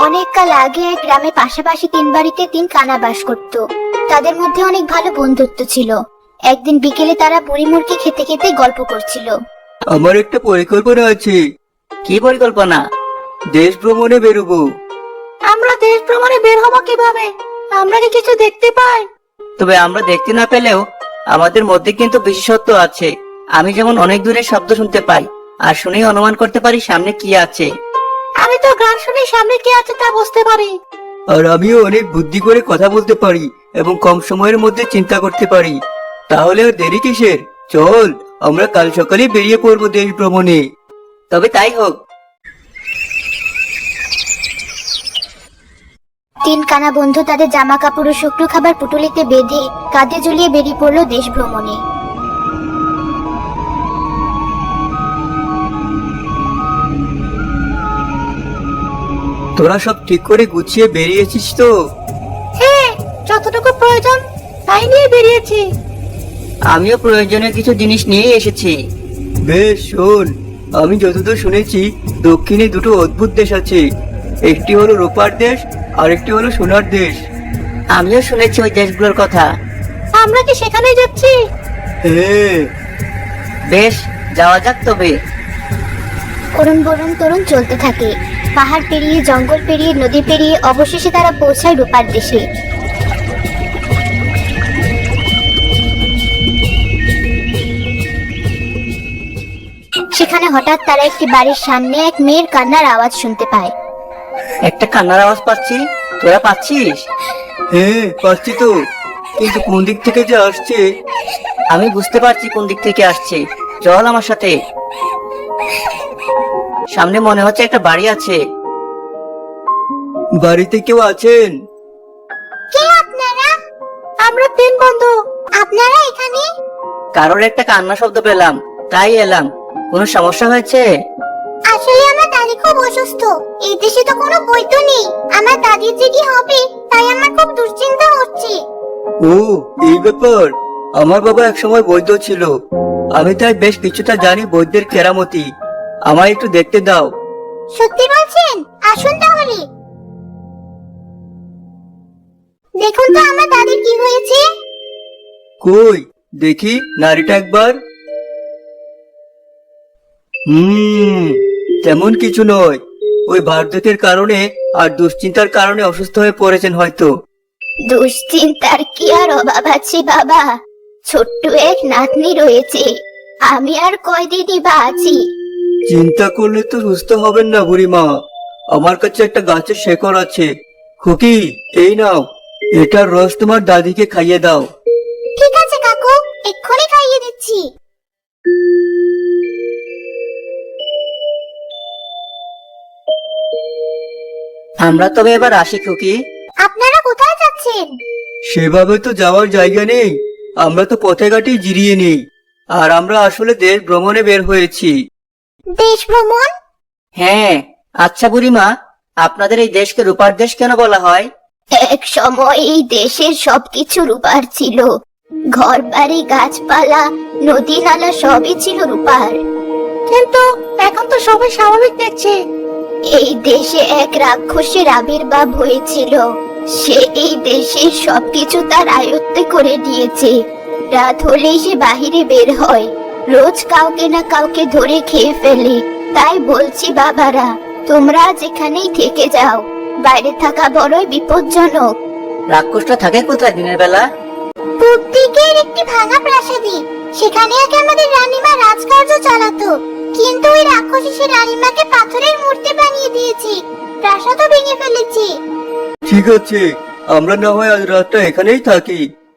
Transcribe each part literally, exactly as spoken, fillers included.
অনেক কাল আগে এক গ্রামে পাশাপাশি তিন বাড়িতে তিন কানা বাস করত। তাদের মধ্যে অনেক ভালো বন্ধুত্ব ছিল। একদিন বিকেলে তারা বুড়ি মুরগি খেতে খেতে গল্প করছিল। আমার একটা পরিকল্পনা আছে। কি পরিকল্পনা? দেশ ভ্রমণে বেরোবো। আমরা দেশ ভ্রমণে বের হবো কিভাবে? আমরা কি কিছু দেখতে পাই? তবে আমরা দেখতে না পেলেও আমাদের মধ্যে কিন্তু বিশেষত্ব আছে। আমি যেমন অনেক দূরের শব্দ শুনতে পাই, আর শুনেই অনুমান করতে পারি সামনে কি আছে। আমি তো গান শুনে সামনে কি আছে তা বুঝতে পারি। আর আমিও অনেক বুদ্ধি করে কথা বলতে পারি এবং কম সময়ের মধ্যে চিন্তা করতে পারি। তাহলে আর দেরি কিসের? চল, আমরা কাল সকালে বেরিয়ে পড়বো দেশ ভ্রমণে। তবে তাই হোক। তিন কানা বন্ধু তাদের জামা কাপড় ও শুকনো খাবার পুটুলিতে বেঁধে কাঁধে ঝুলিয়ে বেরিয়ে পড়লো দেশ ভ্রমণে। তোরা সব ঠিক করে গুছিয়ে বেরিয়েছিস তো? হ্যাঁ, যতটুকু প্রয়োজন তাই নিয়ে বেরিয়েছি। আমিও প্রয়োজনীয় কিছু জিনিস নিয়ে এসেছি। বেশ, শোন, আমি যতদূর শুনেছি দক্ষিণে দুটো অদ্ভুত দেশ আছে। একটি হলো রূপার দেশ আর একটি হলো সোনার দেশ। আমিও শুনেছি ওই দেশগুলোর কথা। আমরা কি সেখানেই যাচ্ছি? হ্যাঁ। বেশ, যাওয়া যাক তবে। অরুণ বরুণ তরুণ চলতে থাকে। পাহাড় পেরিয়ে, জঙ্গল পেরিয়ে, নদী পেরিয়ে অবশেষে তারা পৌঁছায় রূপার দেশে। সেখানে হঠাৎ তারা একটি বাড়ির সামনে এক মেয়ের কান্নার আওয়াজ শুনতে পায়। একটা কান্নার আওয়াজ পাচ্ছি, তোরা পাচ্ছিস? হ্যাঁ, পাচ্ছি তো, কিন্তু কোন দিক থেকে যে আসছে আমি বুঝতে পারছি কোন দিক থেকে আসছে। চল আমার সাথে। সামনে মনে হচ্ছে একটা বাড়ি আছে। বাড়িতে কেউ আছেন? কে আপনারা? আমরা তিন বন্ধু। আপনারা এখানে? কারোর একটা কান্না শব্দ পেলাম, তাই এলাম। কোনো সমস্যা হয়েছে? আসলে আমার দাদি খুব অসুস্থ। এই দেশে তো কোনো বৈদ্য নেই। আমার দাদির যে কি হবে তাই আমার খুব দুশ্চিন্তা হচ্ছে। ও, এই ব্যাপার। আমার বাবা একসময় বৈদ্য ছিল। আমি তাই বেশ কিছুটা জানি বৈদ্যের কেরামতি। আমায় একটু দেখতে দাও। সত্যি বলছেন? আসুন তাহলে। দেখুন তো আমার দাদির কি হয়েছে। কই দেখি নারীটা একবার। হুম, তেমন কিছু নয়। ওই বার্ধক্যের কারণে আর দুশ্চিন্তার কারণে অসুস্থ হয়ে পড়েছেন হয়তো। দুশ্চিন্তার কি আর অভাব আছে বাবা? ছোট্ট এক নাতনি রয়েছে। আমি আর কয়দিনই বা আছি। চিন্তা করলে তো সুস্থ হবেন না বুড়িমা। আমার কাছে একটা গাছের শেকড় আছে। খুকি, এই নাও, এটার রস তোমার দাদিকে খাইয়ে দাও। ঠিক আছে কাকু, এক্ষুনি খাইয়ে দিচ্ছি। আমরা তবে এবার আসি খুকি। আপনারা কোথায় যাচ্ছেন? সেভাবে তো যাওয়ার জায়গা নেই। আমরা তো পথে ঘাটেই জিরিয়ে নেই। আর আমরা আসলে দেশ ভ্রমণে বের হয়েছি। দেশ ভ্রমণ? হ্যাঁ। আচ্ছা বুড়িমা, আপনাদের এই দেশকে রূপার দেশ কেন বলা হয়? এক সময় এই দেশের সবকিছু রূপার ছিল। ঘর বাড়ি, গাছপালা, নদী নালা সবই ছিল রূপার। কিন্তু এখন তো সবাই স্বাভাবিক দেখছি। এই দেশে এক রাক্ষসের আবির্ভাব হয়েছিল। সে এই দেশের সবকিছু তার আয়ত্তে করে নিয়েছে। রাত হলেই সে বাহিরে বের হয়, রোজ কাউকে না কাউকে ধরে খেয়ে ফেলে। তাই বলছি বাবারা, তোমরা যেখানেই থেকে যাও, বাইরে থাকা বড়ই বিপজ্জনক। রাক্ষসটা থাকে কোথায় দিনের বেলা? পূব দিকের একটি ভাঙা প্রাসাদে। সেখানে আগে আমাদের রানীমা রাজকার্য চালাতো, কিন্তু ওই রাক্ষস এসে রানীমাকে পাথরের মূর্তি বানিয়ে দিয়েছে, প্রাসাদও ভেঙে ফেলেছে। ঠিক আছে, আমরা না হয় আজ রাতটা এখানেই থাকি।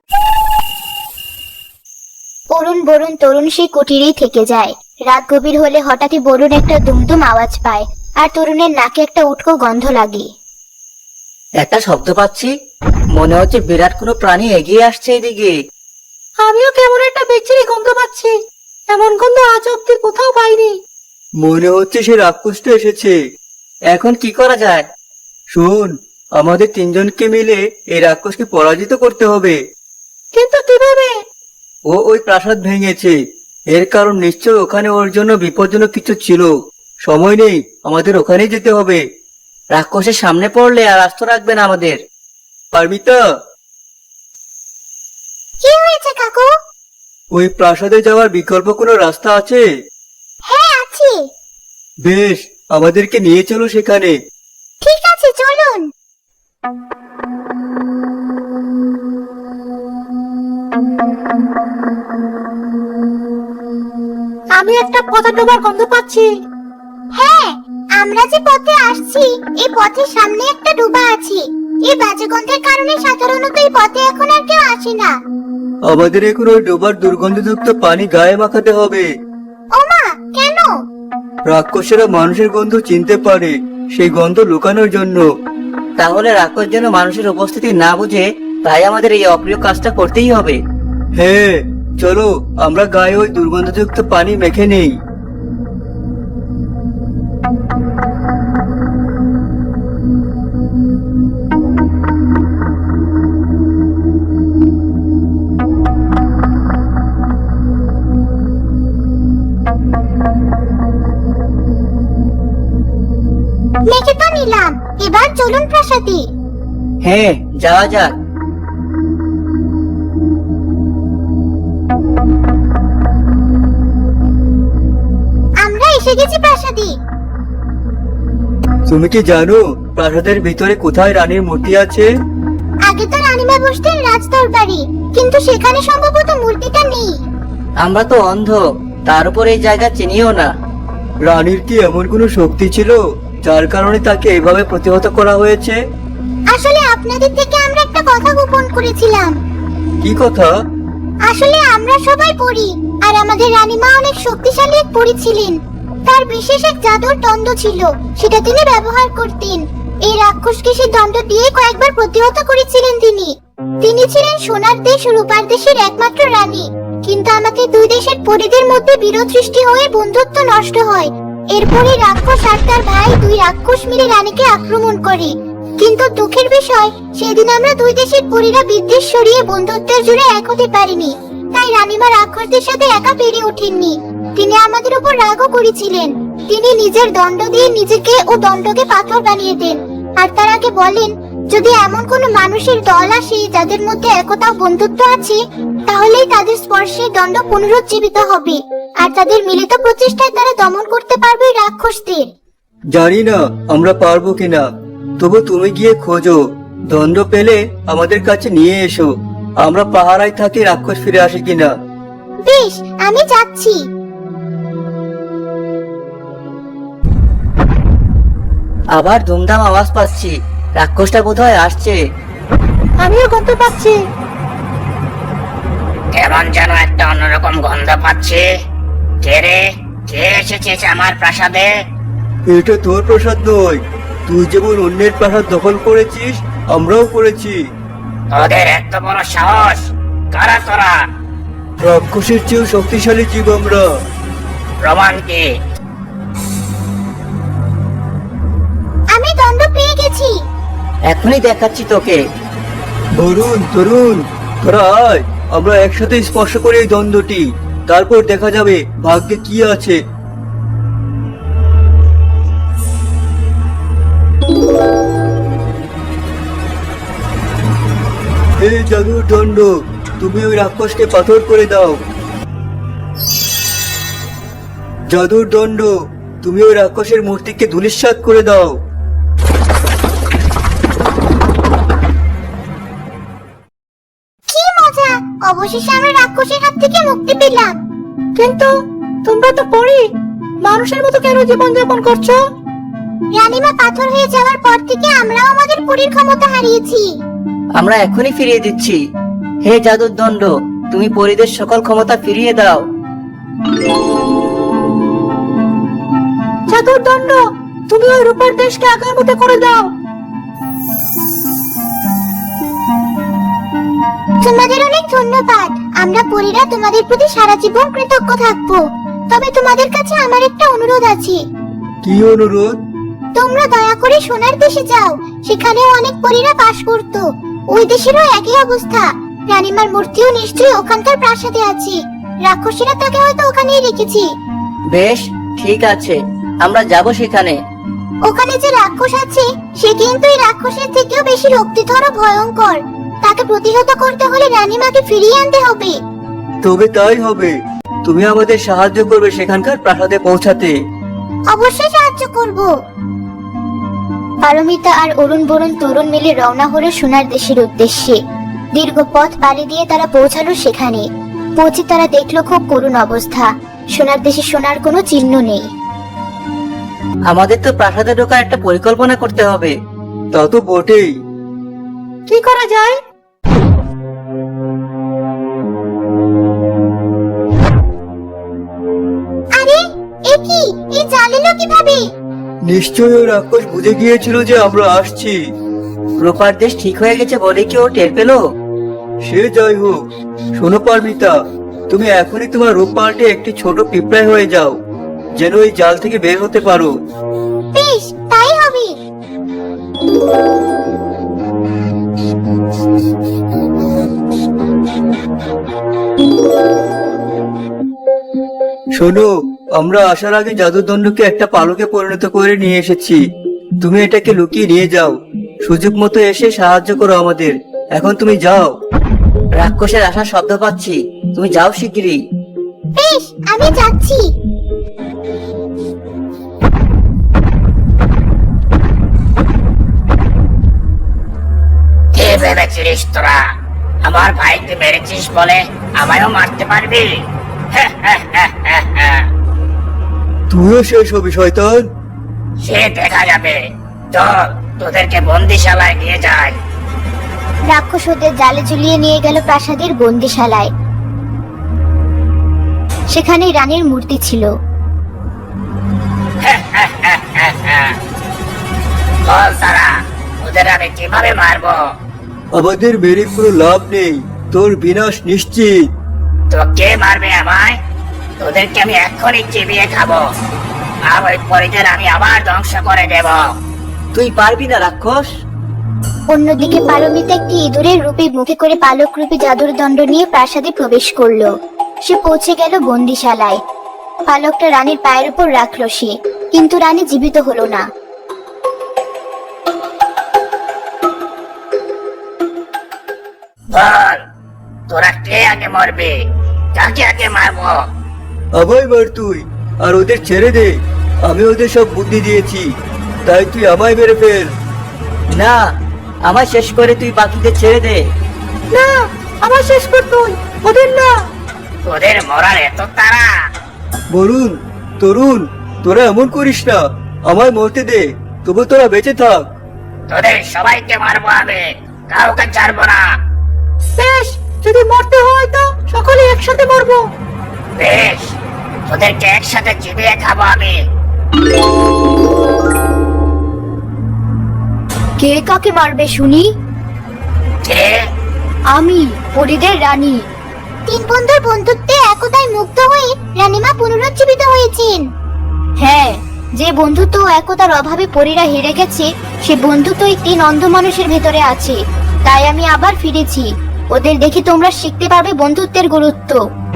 অরুণ বরুণ তরুণ সেই কুটিরেই থেকে যায়। রাত গভীর হলে হঠাৎই বরুণ একটা দুমদুম আওয়াজ পায়, আর তরুণের নাকে একটা উটকো গন্ধ লাগে। একটা শব্দ পাচ্ছি, মনে হচ্ছে বিরাট কোনো প্রাণী এগিয়ে আসছে এদিকে। আমিও কেমন একটা বিচ্ছিরি গন্ধ পাচ্ছি। এমন গন্ধ আজ অব্দি কোথাও পাইনি। মনে হচ্ছে সে রাক্ষসটা এসেছে। এখন কি করা যায়? শোন, আমাদের তিনজনকে মিলে এই রাক্ষসকে পরাজিত করতে হবে। কিন্তু কিভাবে? ও ওই প্রাসাদ ভেঙেছে। এর কারণ নিশ্চয় ওখানে ওর জন্য বিপজ্জনক কিছু ছিল। সময় নেই, আমাদের ওখানেই যেতে হবে। রাক্ষসের সামনে পড়লে আর আস্ত রাখবে না আমাদের। পারমিতা, কি হয়েছে কাকু? ওই প্রাসাদে যাওয়ার বিকল্প কোনো রাস্তা আছে? হ্যাঁ আছে। বেশ, আমাদেরকে নিয়ে চলো সেখানে। ঠিক আছে, চলুন। আমি একটা পথে ডোবার গন্ধ পাচ্ছি। হ্যাঁ, আমরা যে পথে আসছি এই পথের সামনে একটা ডোবা আছে। এই বাজে গন্ধের কারণে সাধারণত এই পথে এখন আর কেউ আসে না। আমাদের এখন ওই ডোবার দুর্গন্ধযুক্ত পানি গায়ে মাখাতে হবে। ওমা, কেন? রাক্ষসেরা মানুষের গন্ধ চিনতে পারে, সেই গন্ধ লুকানোর জন্য। তাহলে রাক্ষস যেন মানুষের উপস্থিতি না বুঝে, তাই আমাদের এই অপ্রিয় কাজটা করতেই হবে। হ্যাঁ, চলো আমরা গায়ে ওই দুর্গন্ধযুক্ত পানি মেখে নেই। মেখে তো নিলাম, এবার চলুন প্রাসাদে। হ্যাঁ, যাওয়া যাক। আমরা এসে গেছি প্রাসাদে। তুমি কি জানো প্রাসাদের ভিতরে কোথায় রানীর মূর্তি আছে? আগে তো রানীমা বসতেন রাজদরবারে, কিন্তু সেখানে সম্ভবত মূর্তিটা নেই। আমরা তো অন্ধ, তার উপর এই জায়গা চিনিও না। রানীর কি এমন কোনো শক্তি ছিল যার কারণে তাকে এভাবে প্রতিহত করা হয়েছে? আসলে আপনাদের থেকে আমরা একটা কথা গোপন করেছিলাম। কি কথা? আসলে আমরা সবাই পড়ি, আর আমাদের রানীমা অনেক শক্তিশালী এক পরী ছিলেন। তার বিশেষ এক জাদুর দণ্ড ছিল, সেটা তিনি ব্যবহার করতেন। এই রাক্ষসকে সেই দণ্ড দিয়ে কয়েকবার প্রতিহত করেছিলেন তিনি। তিনি ছিলেন সোনার দেশ ও রূপার দেশের একমাত্র রানী। কিন্তু আমাদের দুই দেশের পরীদের মধ্যে বিরোধ সৃষ্টি হয়ে বন্ধুত্ব নষ্ট হয়। এরপরে রাক্ষস আর তার ভাই দুই রাক্ষস মিলে রানীকে আক্রমণ করে। কিন্তু দুঃখের বিষয়, সেদিন আমরা দুই দেশের পরীরা বিদ্বেষ সরিয়ে বন্ধুত্বের জোরে এক হতে পারিনি। তাই রানীমা রাক্ষসদের সাথে একা পেরে ওঠেননি। তিনি আমাদের উপর রাগও করেছিলেন। তিনি নিজের দণ্ড দিয়ে নিজেকে ও দণ্ডকে পাথর বানিয়ে দেন। আর তার আগে বলেন, যদি এমন কোনো মানুষের দল আসে যাদের মধ্যে একতা ও বন্ধুত্ব আছে, তাহলেই তাদের স্পর্শে দণ্ড পুনরুজ্জীবিত হবে, আর তাদের মিলিত প্রচেষ্টায় তারা দমন করতে পারবে রাক্ষসদের। জানি না আমরা পারবো কিনা, তবু তুমি গিয়ে খোঁজো। দণ্ড পেলে আমাদের কাছে নিয়ে এসো। আমরা পাহারায় থাকি রাক্ষস ফিরে আসে কিনা। বেশ, আমি যাচ্ছি। আবার ধুমধাম আওয়াজ পাচ্ছি, রাক্ষসটা বোধহয় আসছে। আমিও গন্ধ পাচ্ছি। কেমন যেন একটা অন্যরকম গন্ধ পাচ্ছি। কে রে, কে এসেছিস আমার প্রাসাদে? এটা তোর প্রসাদ নয়। তুই যেমন অন্যের প্রাসাদ দখল করেছিস, আমরাও করেছি। তোদের এত বড় সাহস! কারা তোরা? রাক্ষসের চেয়েও শক্তিশালী জীব আমরা। প্রমাণ কি? আমি দণ্ড পেয়ে গেছি। এখনই দেখাচ্ছি তোকে। তরুণ তরুণ তোরা আয়, আমরা একসাথে স্পর্শ করি এই দ্বন্দ্বটি, তারপর দেখা যাবে ভাগ্যে কি আছে। এই জাদুর দণ্ড, তুমি ওই রাক্ষসকে পাথর করে দাও। জাদুর দণ্ড, তুমি ওই রাক্ষসের মূর্তিকে ধূলিসাৎ করে দাও। কি মজা! অবশেষে আমরা রাক্ষসের হাত থেকে মুক্তি পেলাম। কিন্তু তোমরা তো পড়ি, মানুষের মতো কেন জীবন যাপন করছো? রানীমা পাথর হয়ে যাওয়ার পর থেকে আমরাও আমাদের পরীর ক্ষমতা হারিয়েছি। আমরা এখনই ফিরিয়ে দিচ্ছি। হে জাদুর দণ্ড, তুমি পরীদের সকল ক্ষমতা ফিরিয়ে দাও। জাদুর দণ্ড, তুমি ওই রূপার দেশকে আগের মতো করে দাও। তোমাদের অনেক ধন্যবাদ। আমরা পরীরা তোমাদের প্রতি সারা জীবন কৃতজ্ঞ থাকবো। তবে তোমাদের কাছে আমার একটা অনুরোধ আছে। কি অনুরোধ? তোমরা দয়া করে সোনার দেশে যাও, সেখানেও অনেক পরীরা বাস করতো। ওই দেশেরও একই অবস্থা। রানীমার মূর্তিও নিশ্চয়ই ওখানকার প্রাসাদে আছে। রাক্ষসীরা তাকে হয়তো ওখানেই রেখেছি। বেশ, ঠিক আছে, আমরা যাব সেখানে। ওখানে যে রাক্ষস আছে সে কিন্তু এই রাক্ষসের থেকেও বেশি রক্তিধর ও ভয়ঙ্কর। তাকে প্রতিহত করতে হলে রানীমাকে ফিরিয়ে আনতে হবে। তবে তাই হবে। তুমি আমাদের সাহায্য করবে সেখানকার প্রাসাদে পৌঁছাতে। অবশ্যই সাহায্য করব। পারমিতা আর অরুণ বরুণ তরুণ মিলে রওনা হলো সোনার দেশের উদ্দেশ্যে। দীর্ঘ পথ পাড়ি দিয়ে তারা পৌঁছালো সেখানে। পৌঁছে তারা দেখলো খুব করুণ অবস্থা। সোনার দেশে সোনার কোনো চিহ্ন নেই। আমাদের তো প্রাসাদে ঢোকার একটা পরিকল্পনা করতে হবে। তা তো বটেই। কি করা যায়? আরে এ কি? এই জাল এলো কিভাবে? নিশ্চয়ই ওই রাক্ষস বুঝে গিয়েছিল যে আমরা আসছি। রূপার দেশ ঠিক হয়ে গেছে বলে কি ও টের পেলো? সে যাই হোক, শোনো পারমিতা, তুমি এখনই তোমার রূপ পাল্টে একটি ছোট পিঁপড়ায় হয়ে যাও, যেন এই জাল থেকে বের হতে পারো। বেশ, তাই হবে। শোনো, আমরা আসার আগে জাদুদণ্ডকে একটা পালকে পরিণত করে নিয়ে এসেছি। তুমি এটাকে লুকিয়ে নিয়ে যাও। সুযোগ মতো এসে সাহায্য করো আমাদের। এখন তুমি যাও। রাক্ষসের আসার শব্দ পাচ্ছি, তুমি যাও শিগগিরই। বেশ, আমি যাচ্ছি। কে ভেবেছিস তোরা আমার ভাইকে মেরেছিস বলে আমায়ও মারতে পারবি? তুইও শেষ হবি শয়তান। সে দেখা যাবে। চল তোদেরকে বন্দিশালায় নিয়ে যাই। রাক্ষস ওদের জালে ঝুলিয়ে নিয়ে গেল প্রাসাদের বন্দিশালায়। সেখানে রানীর মূর্তি ছিল। বল তারা, ওদের আমি কিভাবে মারবো? আমাদের মেরে কোনো লাভ নেই, তোর বিনাশ নিশ্চিত। তো কে মারবে আমায়? তোদেরকে আমি এক্ষুনি চিবিয়ে খাবো, আর ওই পরিদের আমি আবার ধ্বংস করে দেব। তুই পারবি না রাক্ষস। অন্যদিকে পারমিতা একটি ইঁদুরের রূপে মুখে করে পালক রূপে জাদুর দণ্ড নিয়ে প্রাসাদে প্রবেশ করলো। সে পৌঁছে গেল বন্দিশালায়। পালকটা রানীর পায়ের উপর রাখলো সে, কিন্তু রানী জীবিত হলো না। বল তোরা কে আগে মরবে? কাকে আগে মারবো? আমায় মার তুই, আর ওদের ছেড়ে দে। আমি ওদের সব বুদ্ধি দিয়েছি, তাই তুই আমায় মেরে ফেল। না, আমার শেষ করে তুই বাকিদের ছেড়ে দে। না, আমার শেষ কর তুই, ওদের না। তোদের মরার এত তাড়া? বরুণ, তরুণ, তোরা এমন করিস না। আমায় মরতে দে, তবু তোরা বেঁচে থাক। তোদের সবাইকে মারবো আমি, কাউকে ছাড়বো না। বেশ, যদি মরতে হয় তো সকলে একসাথে মরবো। বেশ, তোদেরকে একসাথে চিবিয়ে খাবো আমি। কে কাকে মারবে শুনি? কে? আমি, পরিদের রানী। তিন বন্ধুর বন্ধুত্বে একতায় মুগ্ধ হয়ে রানীমা পুনরুজ্জীবিত হয়েছেন। হ্যাঁ, যে বন্ধুত্ব ও একতার অভাবে পরীরা হেরে গেছে, সে বন্ধুত্ব এই তিন অন্ধ মানুষের ভেতরে আছে। তাই আমি আবার ফিরেছি। ওদের দেখে তোমরা শিখতে পারবে বন্ধুত্বের গুরুত্ব।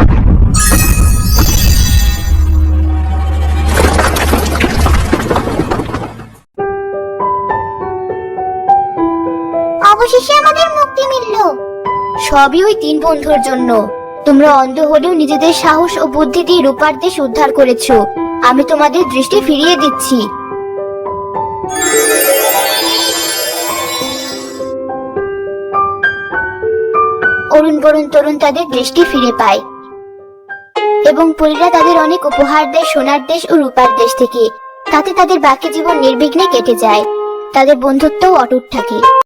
অবশেষে আমাদের মুক্তি মিলল। সবই ওই তিন বন্ধুর জন্য। তোমরা অন্ধ হলেও নিজেদের সাহস ও বুদ্ধি দিয়ে রূপার দেশ উদ্ধার করেছো। আমি তোমাদের দৃষ্টি ফিরিয়ে দিচ্ছি। অরুণ বরুণ তরুণ তাদের দৃষ্টি ফিরে পায় এবং পরীরা তাদের অনেক উপহার দেয় সোনার দেশ ও রূপার দেশ থেকে। তাতে তাদের বাকি জীবন নির্বিঘ্নে কেটে যায়। তাদের বন্ধুত্বও অটুট থাকে।